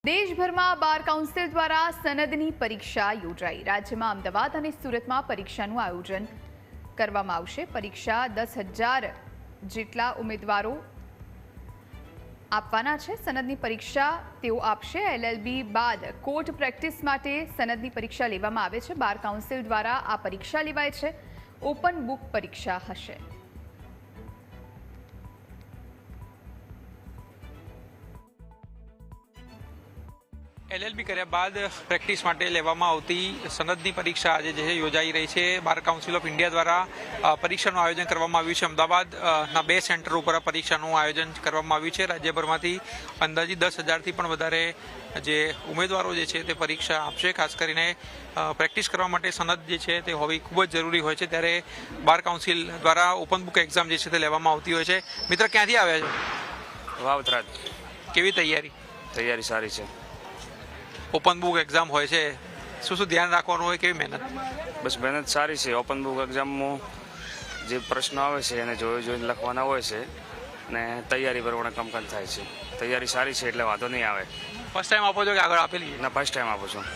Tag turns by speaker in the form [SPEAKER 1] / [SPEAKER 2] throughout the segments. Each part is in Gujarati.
[SPEAKER 1] દેશભરમાં બાર કાઉન્સિલ દ્વારા સનદની પરીક્ષા યોજાઈ। રાજ્યમાં અમદાવાદ અને સુરતમાં પરીક્ષાનું આયોજન કરવામાં આવશે। પરીક્ષા 10,000 જેટલા ઉમેદવારો આપવાના છે। સનદની પરીક્ષા તેઓ આપશે। LLB બાદ કોર્ટ પ્રેક્ટિસ માટે સનદની પરીક્ષા લેવામાં આવે છે। બાર કાઉન્સિલ દ્વારા આ પરીક્ષા લેવાય છે। ઓપન બુક પરીક્ષા હશે।
[SPEAKER 2] LLB કર્યા બાદ પ્રેક્ટિસ માટે લેવામાં આવતી સનદની પરીક્ષા આજે જે યોજાઈ રહી છે। બાર કાઉન્સિલ ઓફ ઇન્ડિયા દ્વારા પરીક્ષાનું આયોજન કરવામાં આવ્યું છે। અમદાવાદના 2 સેન્ટર ઉપર પરીક્ષાનું આયોજન કરવામાં આવ્યું છે। રાજ્યભરમાંથી અંદાજિત 10,000થી પણ વધારે જે ઉમેદવારો જે છે તે પરીક્ષા આપશે। ખાસ કરીને પ્રેક્ટિસ કરવા માટે સનદ જે છે તે હોવી ખૂબ જ જરૂરી હોય છે, ત્યારે બાર કાઉન્સિલ દ્વારા ઓપન બુક એક્ઝામ જે છે તે લેવામાં આવતી હોય છે। મિત્ર, ક્યાંથી આવ્યા છે?
[SPEAKER 3] વાવથરાજ।
[SPEAKER 2] કેવી તૈયારી?
[SPEAKER 3] તૈયારી સારી છે।
[SPEAKER 2] ઓપન બુક એક્ઝામ હોય છે, શું ધ્યાન રાખવાનું હોય, કેવી મહેનત?
[SPEAKER 3] બસ મહેનત સારી છે। ઓપન બુક એક્ઝામમાં જે પ્રશ્નો આવે છે એને જોઈને લખવાના હોય છે ને તૈયારી પ્રમાણે કામકાજ થાય છે। તૈયારી સારી છે એટલે વાંધો નહીં આવે।
[SPEAKER 2] ફર્સ્ટ ટાઈમ આપો છો કે આગળ આપેલી?
[SPEAKER 3] ના, ફર્સ્ટ ટાઈમ આપું છું।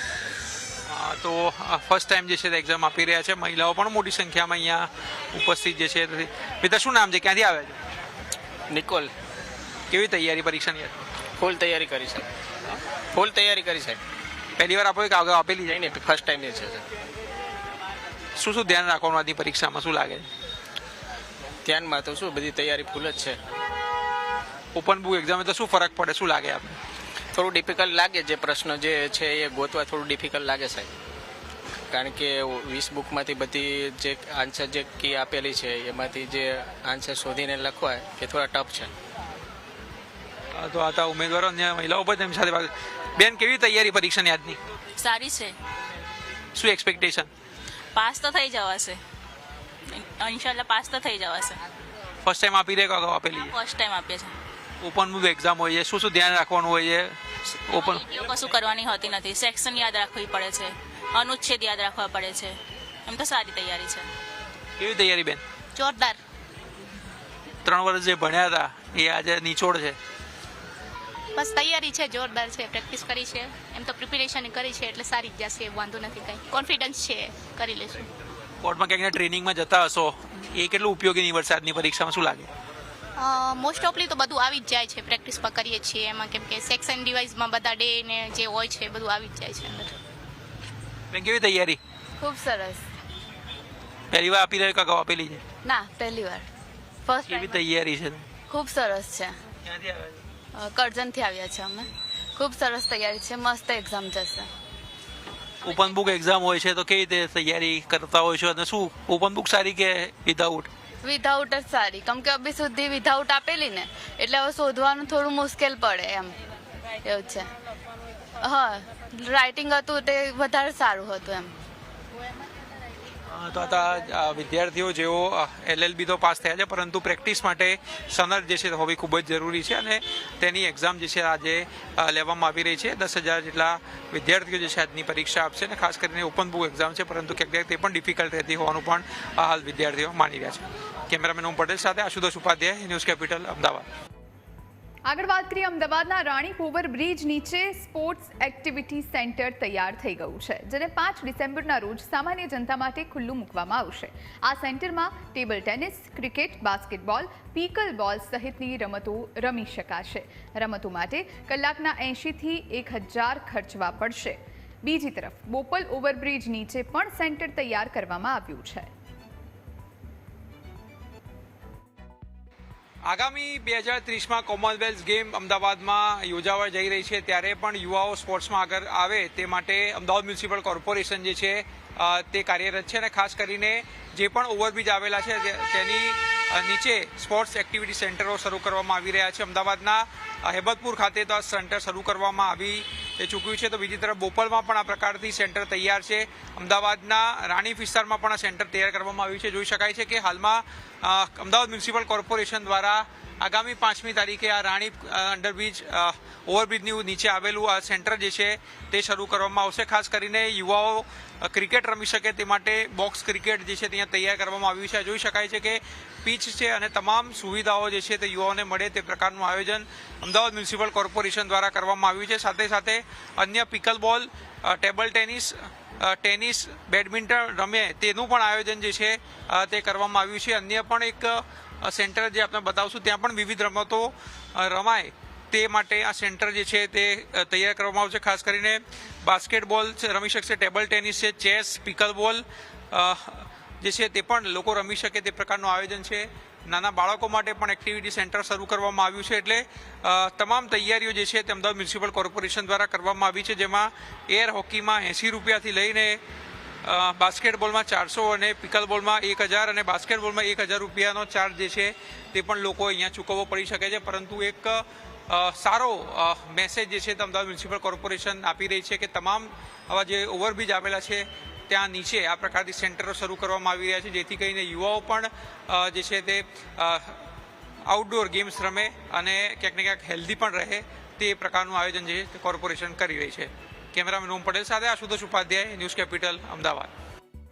[SPEAKER 2] તો ફર્સ્ટ ટાઈમ જે છે એક્ઝામ આપી રહ્યા છે મહિલાઓ પણ મોટી સંખ્યામાં અહીંયા ઉપસ્થિત જે છે। મિત્ર, શું નામ છે, ક્યાંથી આવે છે?
[SPEAKER 4] નિકોલ।
[SPEAKER 2] કેવી તૈયારી પરીક્ષાની?
[SPEAKER 4] ફૂલ તૈયારી કરી છે। ફૂલ તૈયારી કરી છે।
[SPEAKER 2] પહેલી વાર આપો કે આગળ આપેલી?
[SPEAKER 4] નહીં, ફર્સ્ટ ટાઈમ છે।
[SPEAKER 2] શું ધ્યાન રાખવાનું આજની પરીક્ષામાં, શું લાગે?
[SPEAKER 4] ધ્યાનમાં તો શું, બધી તૈયારી ફૂલ જ છે।
[SPEAKER 2] ઓપન બુક એક્ઝામ તો શું ફરક પડે, શું લાગે આપણે?
[SPEAKER 4] થોડું ડિફિકલ્ટ લાગે, જે પ્રશ્ન જે છે એ ગોતવા થોડું ડિફિકલ્ટ લાગે સાહેબ, કારણ કે 20 બુકમાંથી બધી જે આન્સર જે કી આપેલી છે એમાંથી જે આન્સર શોધીને લખવા એ થોડા ટફ છે।
[SPEAKER 2] તો આ ઉમેદવારો અને મહિલાઓ પણ તેમની સાથે વાત. બેન, કેવી તૈયારી પરીક્ષાની આજની?
[SPEAKER 5] સારી છે।
[SPEAKER 2] શું એક્સપેક્ટેશન?
[SPEAKER 5] પાસ તો થઈ જવાશે, ઇન્શાલ્લાહ પાસ તો થઈ જવાશે।
[SPEAKER 2] ફર્સ્ટ ટાઈમ આપી રહ્યા કે આપેલી?
[SPEAKER 5] ફર્સ્ટ ટાઈમ આપીએ છે।
[SPEAKER 2] ઓપન બુક એક્ઝામ હોય છે, શું ધ્યાન રાખવાનું હોય છે? ઓપન
[SPEAKER 5] કશું કરવાની હોતી નથી, સેક્શન યાદ રાખવી પડે છે, અનુચ્છેદ યાદ રાખવા પડે છે। એમ તો સારી તૈયારી છે।
[SPEAKER 2] કેવી તૈયારી બેન?
[SPEAKER 5] જોરદાર।
[SPEAKER 2] 3 વર્ષ જે ભણ્યા હતા એ આજે નિચોડ છે?
[SPEAKER 6] બસ તૈયારી છે, જોરદાર છે, પ્રેક્ટિસ કરી છે, એમ તો પ્રિપેરેશન કરી છે એટલે સારી જ જશે, વાંધો નથી, કંઈ કોન્ફિડન્સ છે, કરી લેશું।
[SPEAKER 2] કોર્ટમાં ક્યાંક ટ્રેનિંગમાં જતા હશો, એ કેટલું ઉપયોગી નીવડશે આજની પરીક્ષામાં, શું લાગે?
[SPEAKER 6] મોસ્ટ ઓફલી તો બધું આવી જ જાય છે, પ્રેક્ટિસમાં કરીએ છીએ એમાં, કેમ કે સેક્શન ડિવાઇઝમાં બધા ડે ને જે હોય છે બધું આવી જ જાય છે અંદર।
[SPEAKER 2] બેન, કેવી તૈયારી?
[SPEAKER 7] ખૂબ સરસ।
[SPEAKER 2] પહેલી વાર આપી રહ્યા કે અગાઉ આપેલી છે?
[SPEAKER 7] ના, પહેલી વાર, ફર્સ્ટ
[SPEAKER 2] કેવી તૈયારી છે?
[SPEAKER 7] ખૂબ સરસ છે।
[SPEAKER 2] ક્યાંથી આવ્યા છે?
[SPEAKER 7] કરજણથી આવ્યા છે અમે। ખૂબ સરસ તૈયારી છે, મસ્ત એક્ઝામ જશે।
[SPEAKER 2] ઓપન બુક એક્ઝામ હોય છે તો કેવી રીતે તૈયારી કરતા હોય છો, અને શું ઓપન બુક સારી કે વિધાઉટ?
[SPEAKER 7] વિધાઉટ જ સારી, કેમ કે અભી સુધી વિધાઉટ આપેલી ને એટલે હવે શોધવાનું થોડું મુશ્કેલ પડે એમ, એવું છે। હા, રાઇટિંગ હતું તે વધારે સારું હતું એમ।
[SPEAKER 2] તો આ વિદ્યાર્થીઓ જેઓ LLB તો પાસ થયા છે, પરંતુ પ્રેક્ટિસ માટે સનદ જે છે હોવી ખૂબ જ જરૂરી છે, અને તેની એક્ઝામ જે છે આજે લેવામાં આવી રહી છે। 10,000 જેટલા વિદ્યાર્થીઓ જે છે આજની પરીક્ષા આપશે, અને ખાસ કરીને ઓપન બુક એક્ઝામ છે, પરંતુ ક્યાંક તે પણ ડિફિકલ્ટ રહેતી હોવાનું પણ હાલ વિદ્યાર્થીઓ માની રહ્યા છે। કેમેરામેન ઓમ પટેલ સાથે આશુતોષ ઉપાધ્યાય, ન્યૂઝ કેપિટલ, અમદાવાદ।
[SPEAKER 1] આગળ વાત કરીએ, અમદાવાદના રાણી ઓવરબ્રિજ નીચે સ્પોર્ટ્સ એક્ટિવિટી સેન્ટર તૈયાર થઈ ગયું છે, જેને 5 ડિસેમ્બરના રોજ સામાન્ય જનતા માટે ખુલ્લું મૂકવામાં આવશે। આ સેન્ટરમાં table tennis, cricket, basketball, pickleball સહિતની રમતો રમી શકાશે। રમતો માટે કલાકના 80થી 1,000 ખર્ચવા પડશે। બીજી તરફ બોપલ ઓવરબ્રિજ નીચે પણ સેન્ટર તૈયાર કરવામાં આવ્યું છે।
[SPEAKER 2] આગામી 2030માં કોમનવેલ્થ ગેમ અમદાવાદમાં યોજાવા જઈ રહી છે, ત્યારે પણ યુવાઓ સ્પોર્ટ્સમાં આગળ આવે તે માટે અમદાવાદ મ્યુનિસિપલ કોર્પોરેશન જે છે તે કાર્યરત છે, અને ખાસ કરીને જે પણ ઓવરબ્રિજ આવેલા છે તેની નીચે સ્પોર્ટ્સ એક્ટિવિટી સેન્ટરો શરૂ કરવામાં આવી રહ્યા છે। અમદાવાદના હેબતપુર ખાતે તો આ સેન્ટર શરૂ કરવામાં આવી ચૂક્યું છે, તો બીજી તરફ બોપલમાં પણ આ પ્રકારથી સેન્ટર તૈયાર છે। અમદાવાદના રાણી વિસ્તારમાં પણ આ સેન્ટર તૈયાર કરવામાં આવ્યું છે। જોઈ શકાય છે કે હાલમાં અમદાવાદ મ્યુનિસિપલ કોર્પોરેશન દ્વારા આગામી 5મી તારીખે આ રાણી અંડરબ્રિજ ઓવરબ્રિજની નીચે આવેલું આ સેન્ટર જે છે તે શરૂ કરવામાં આવશે. ખાસ કરીને યુવાઓ ક્રિકેટ રમી શકે તે માટે બોક્સ ક્રિકેટ જે છે ત્યાં તૈયાર કરવામાં આવ્યું છે. જોઈ શકાય છે કે પીચ છે અને તમામ સુવિધાઓ જે છે તે યુવાઓને મળે તે પ્રકારનું આયોજન અમદાવાદ મ્યુનિસિપલ કોર્પોરેશન દ્વારા કરવામાં આવ્યું છે. સાથે સાથે અન્ય પિકલ બોલ, ટેબલ ટેનિસ, બેડમિન્ટન રમે તેનું પણ આયોજન જે છે તે કરવામાં આવ્યું છે. અન્ય પણ એક સેન્ટર જે આપણે બતાવશું ત્યાં પણ વિવિધ રમતો રમાય તે માટે આ સેન્ટર જે છે તે તૈયાર કરવામાં આવશે. ખાસ કરીને બાસ્કેટબોલ રમી શકશે, ટેબલ ટેનિસ છે, ચેસ, પિકલ બોલ જે છે તે પણ લોકો રમી શકે તે પ્રકારનું આયોજન છે. નાના બાળકો માટે પણ એક્ટિવિટી સેન્ટર શરૂ કરવામાં આવ્યું છે. એટલે તમામ તૈયારીઓ જે છે તે અમદાવાદ મ્યુનિસિપલ કોર્પોરેશન દ્વારા કરવામાં આવી છે, જેમાં એર હોકીમાં 80 રૂપિયાથી લઈને બાસ્કેટબોલમાં 400 અને પિકલ બોલમાં 1000 અને બાસ્કેટબોલમાં 1000 રૂપિયાનો ચાર્જ જે છે તે પણ લોકો અહીંયા ચૂકવવો પડી શકે છે. પરંતુ એક સારો મેસેજ જે છે તે અમદાવાદ મ્યુનિસિપલ કોર્પોરેશન આપી રહી છે કે તમામ આવા જે ઓવરબ્રિજ આવેલા છે ત્યાં નીચે આ પ્રકારની સેન્ટરો શરૂ કરવામાં આવી રહ્યા છે, જેથી કરીને યુવાઓ પણ જે છે તે આઉટડોર ગેમ્સ રમે અને ક્યાંક ને ક્યાંક હેલ્ધી પણ રહે તે પ્રકારનું આયોજન જે કોર્પોરેશન કરી રહી છે. કેમેરામેન ઓમ પટેલ સાથે આશુતોષ ઉપાધ્યાય, ન્યૂઝ કેપિટલ, અમદાવાદ.